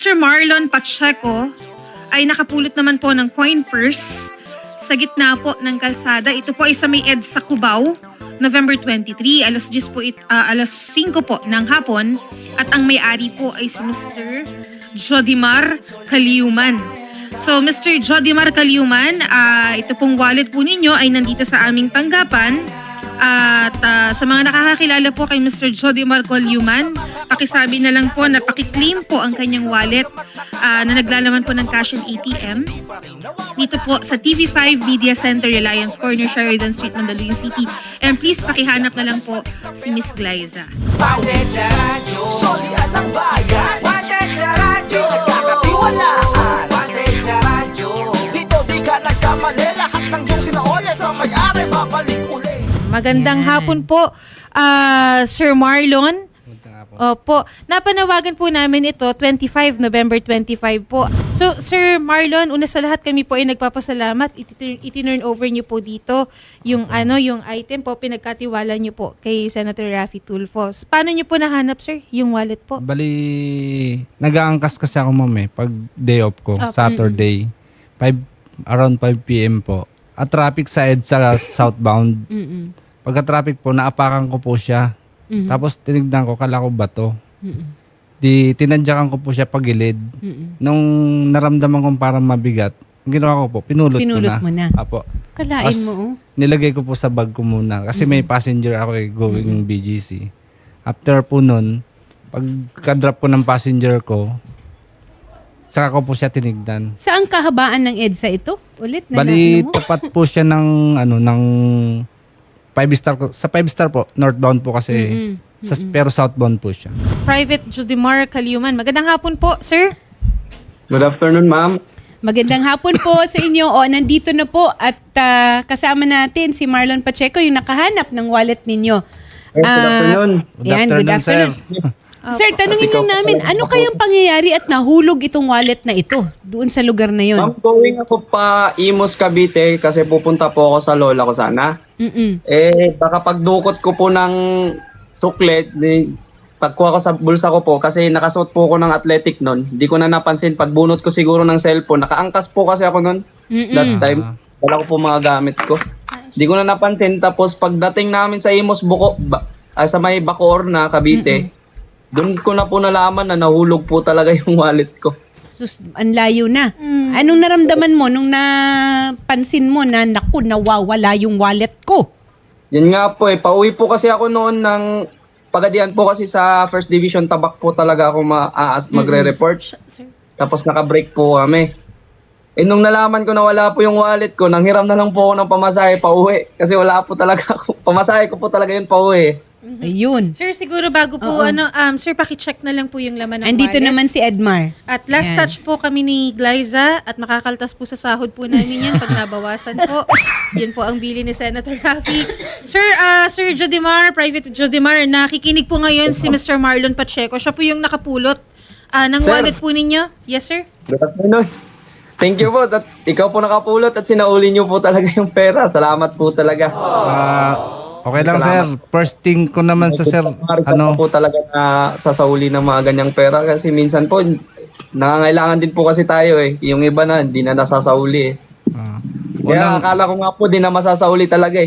Mr. Marlon Pacheco ay nakapulot naman po ng coin purse sa gitna po ng kalsada. Ito po ay sa may EDSA Cubao, November 23, alas 5 po ng hapon. At ang may-ari po ay si Mr. Jodimar Caliuman. So Mr. Jodimar Caliuman, ito pong wallet po ninyo ay nandito sa aming tanggapan. At sa mga nakakakilala po kay Mr. Jodimar Caliuman, pakisabi na lang po na pakiklaim po ang kanyang wallet na naglalaman po ng cash and ATM. Dito po sa TV5 Media Center, Reliance Corner, Sheridan Street, Mandaluyong City. And please pakihanap na lang po si Miss Glyza. Wanted sa radyo, solian ng bayan. Wanted sa radyo, nagkakatiwalaan. Wanted sa radyo, dito di ka nagkamali. Lahat ng iyong sinaole sa may-ari, babalik uli. Magandang hapon po, Sir Marlon. Opo, napanawagan po namin ito, November 25 po. So, Sir Marlon, una sa lahat kami po ay nagpapasalamat. Itinurn over niyo po dito yung yung item po, pinagkatiwala niyo po kay Senator Raffy Tulfo. Paano niyo po nahanap, sir, yung wallet po? Bali, nag-aangkas kasi ako, ma'am, per day off ko, Okay. Saturday, around 5 p.m. po. At traffic sa EDSA southbound. Pagka-traffic po, naapakan ko po siya. Tapos tinignan ko, kala ko bato. Di tinadyakan ko po siya pagilid. Nung naramdaman kong parang mabigat, ang ginawa ko po, pinulot ko na. mo na. Apo. Kalain Tapos, mo, oh. nilagay ko po sa bag ko muna. Kasi may passenger ako going BGC. After po nun, pagka-drop ko ng passenger ko, saka ko po siya tinignan. Saan kahabaan ng EDSA ito? Ulit na Bali, mo? tapat po siya ng 5-star ko. Sa 5-star po, northbound po kasi. Pero southbound po siya. Private Jodimar Caliuman. Magandang hapon po, sir. Good afternoon, ma'am. Magandang hapon po sa inyo. O, nandito na po at kasama natin si Marlon Pacheco, yung nakahanap ng wallet ninyo. Yes, good afternoon. Good afternoon. Sir, tanungin lang namin, ano kayang pangyayari at nahulog itong wallet na ito doon sa lugar na yon? Ma'am, going ako pa Imus, Cavite kasi pupunta po ako sa lola ko sana. Baka pagdukot ko po ng suklet, pagkuha ko sa bulsa ko po kasi nakasuot po ako ng athletic nun. Hindi ko na napansin. Pagbunot ko siguro ng cellphone, nakaangkas po kasi ako nun. That time, wala ko po mga gamit ko. Hindi ko na napansin. Tapos pagdating namin sa Imus, sa may Bacoor na Cavite, doon ko na po nalaman na nahulog po talaga yung wallet ko. Sus, ang layo na. Anong naramdaman mo nung napansin mo na naku, nawawala yung wallet ko? Yan nga po pauwi po kasi ako noon ng Pagadian po kasi sa First Division Tabak po talaga ako magre-report. Tapos naka-break po kami. Nung nalaman ko na wala po yung wallet ko, nanghiram na lang po ako ng pamasahe pauwi. Kasi wala po talaga ako. Pamasahe ko po talaga yun pauwi. Ayun. Sir, siguro bago po, sir, pakicheck na lang po yung laman ng Andito wallet. naman si Edmar. At last Ayan. touch po kami ni Glyza at makakaltas po sa sahod po namin yan pag nabawasan po. Yan po ang bili ni Senator Raffy. Sir, Sir Jodimar, Private Jodimar, nakikinig po ngayon si Mr. Marlon Pacheco. Siya po yung nakapulot ng Sir. wallet po ninyo. Yes, sir? Good afternoon. Thank you po. Ikaw po nakapulot at sinauli niyo po talaga yung pera. Salamat po talaga. Okay lang, sir. First thing ko naman sa sir, po talaga na sasauli ng mga ganyang pera kasi minsan po nangangailangan din po kasi tayo Yung iba na hindi na nasasauli Kaya akala ko nga po di na masasauli talaga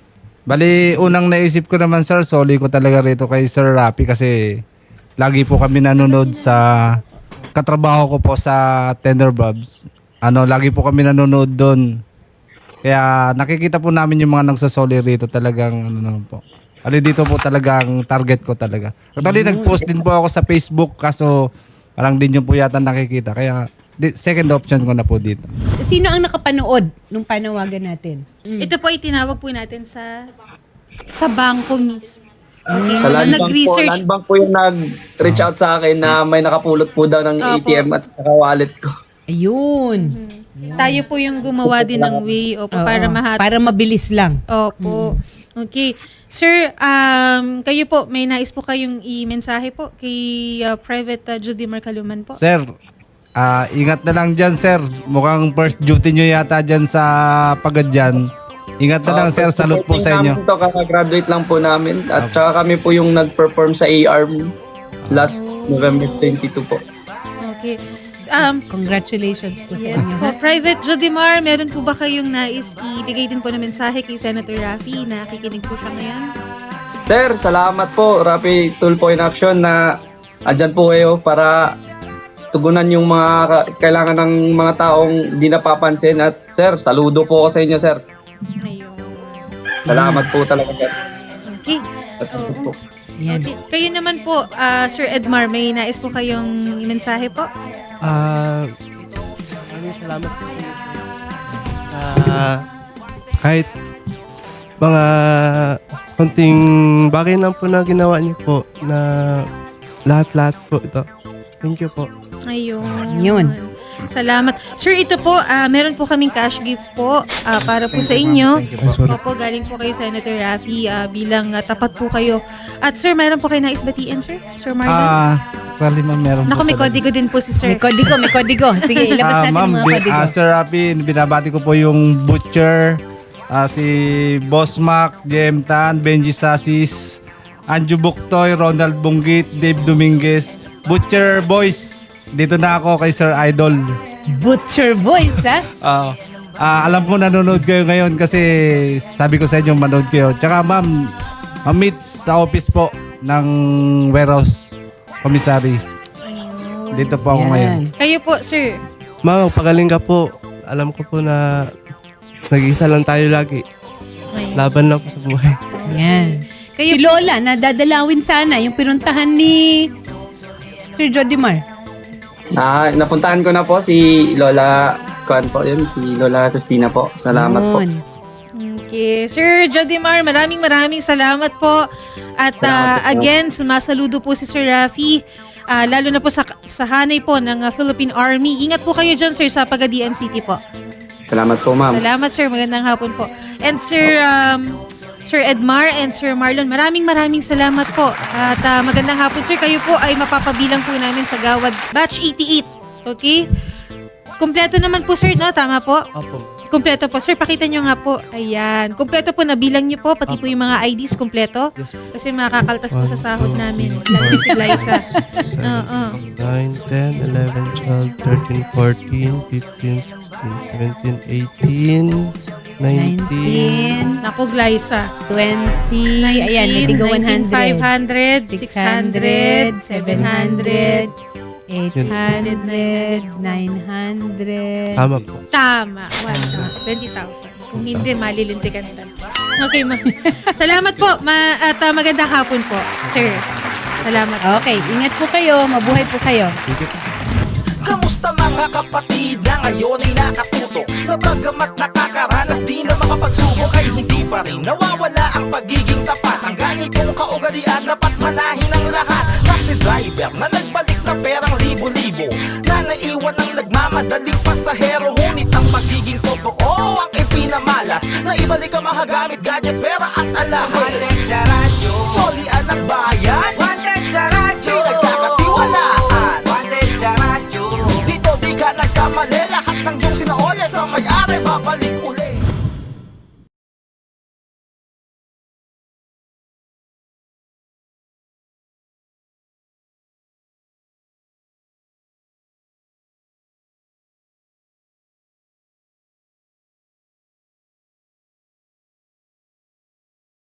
Bali, unang naisip ko naman, sir, soli ko talaga rito kay Sir Raffy kasi lagi po kami nanonood sa katrabaho ko po sa Tender Bobs. Lagi po kami nanonood doon. Kaya nakikita po namin yung mga nagsasoli rito talagang po. Dito po talagang target ko talaga. Actually, nag-post din po ako sa Facebook kaso parang din yung po yata nakikita. Kaya second option ko na po dito. Sino ang nakapanood nung panawagan natin? Ito po ay tinawag po natin sa bangko mismo. Okay, Sa so Land Bank po, nag-research. Land Bank po yung nag-reach out sa akin na may nakapulot po daw ng Opo. ATM at wallet ko. Ayun. Tayo po yung gumawa din ng way para mahatid. Para mabilis lang. Opo. Okay. Sir, kayo po, may nais po kayong i-mensahe po kay Private Jodimar Caliuman po? Sir, ingat na lang dyan, sir. Mukhang first duty nyo yata dyan sa Pagadyan. Ingat na lang, sir. Salute po sa inyo. Graduate lang po namin at saka kami po yung nag-perform sa ARM last November 22 po. Okay. Congratulations po sa Yes inyo. po. ha? Private Jodimar, meron po ba kayong nais ibigay din po na mensahe kay Senator Raffy na nakikinig po siya ngayon? Sir, salamat po. Rapi Tulpo in Action na andyan po kayo para tugunan yung mga kailangan ng mga taong di napapansin. At sir, saludo po ako sa inyo, sir. Ayun. Salamat po talaga, sir. Okay. At Oo. po. Yan. Okay. Kayo naman po, Sir Edmar, may nais po kayong mensahe po? Maraming salamat po sa inyo, sir. Kahit mga konting bagay lang po na ginawa niyo po na lahat-lahat po ito. Thank you po. Ayun. Yun. Salamat. Sir, ito po, meron po kaming cash gift po para po sa inyo. Thank you po. Sorry. Opo, galing po kay Senator Raffy bilang tapat po kayo. At sir, meron po kayo nais batiin, sir? Sir Marlon? Actually, ma'am, meron Naku, po may talaga. kodigo din po si sir. May kodigo. Sige, ilabas natin Ma'am, yung mga kodigo. Sir Rafi, binabati ko po yung Butcher, si Boss Mac, Jem Tan, Benji Sasis, Anju Buktoy, Ronald Bunggit, Dave Dominguez, Butcher Boys. Dito na ako kay Sir Idol. Butcher Boys, ha? Alam ko nanonood kayo ngayon kasi sabi ko sa inyo manood kayo. Tsaka ma'am, meet sa office po ng warehouse commissary. Dito po ako ngayon. Kayo po, sir. Ma'am, pagaling ka po. Alam ko po na nag-iisa lang tayo lagi. Ayun. Laban lang po sa buhay. Yan. Kayo Si Lola, nadadalawin sana yung pinuntahan ni Sir Jodimar. Napuntahan ko na po si Lola Kuan po yun, si Lola Christina po. Salamat po. Yun. Okay. Sir Jodimar, maraming salamat po. At Salamat po. again, sumasaludo po si Sir Raffy. Lalo na po sa hanay po ng Philippine Army. Ingat po kayo dyan, sir, sa Pagadian-City po. Salamat po, ma'am. Salamat, sir. Magandang hapon po. And Sir Edmar and Sir Marlon, maraming salamat po. At magandang hapon, sir. Kayo po ay mapapabilang po namin sa Gawad Batch 88. Okay? Kumpleto naman po, sir, no? Tama po? Opo. Kumpleto po. Sir, pakita nyo nga po. Ayan. Kumpleto po, nabilang nyo po. Pati po yung mga IDs kumpleto. Kasi makakaltas po sa sahod namin. Lalo na si Liza. Oo. 9, 10, 11, 12, 13, 14, 15, 16, 17, 18, 19. 19, Naku, Liza. 20, ayan, nadigo 100. 500, 600, 700. 800, 900. Tama po. Tama. 20,000. Kung hindi, malilintikan ka. Okay, ma'am. Salamat po. At magandang hapon po, sir. Salamat. Okay, ingat po kayo. Mabuhay po kayo. Kamusta mga kapatid na ngayon ay nakatuto na bagamat nakakaranas di na makapagsubok ay hindi pa rin nawawala ang pagiging tapat. Ang ganitong kaugalian dapat manahin ng lahat. Taxi driver na nagbalik na perang libo-libo na naiwan ng nagmamadaling pasahero. Ngunit ang pagiging totoo ang ipinamalas na ibalik ang mga gamit, gadget, pera at alahas. Solian ang bahay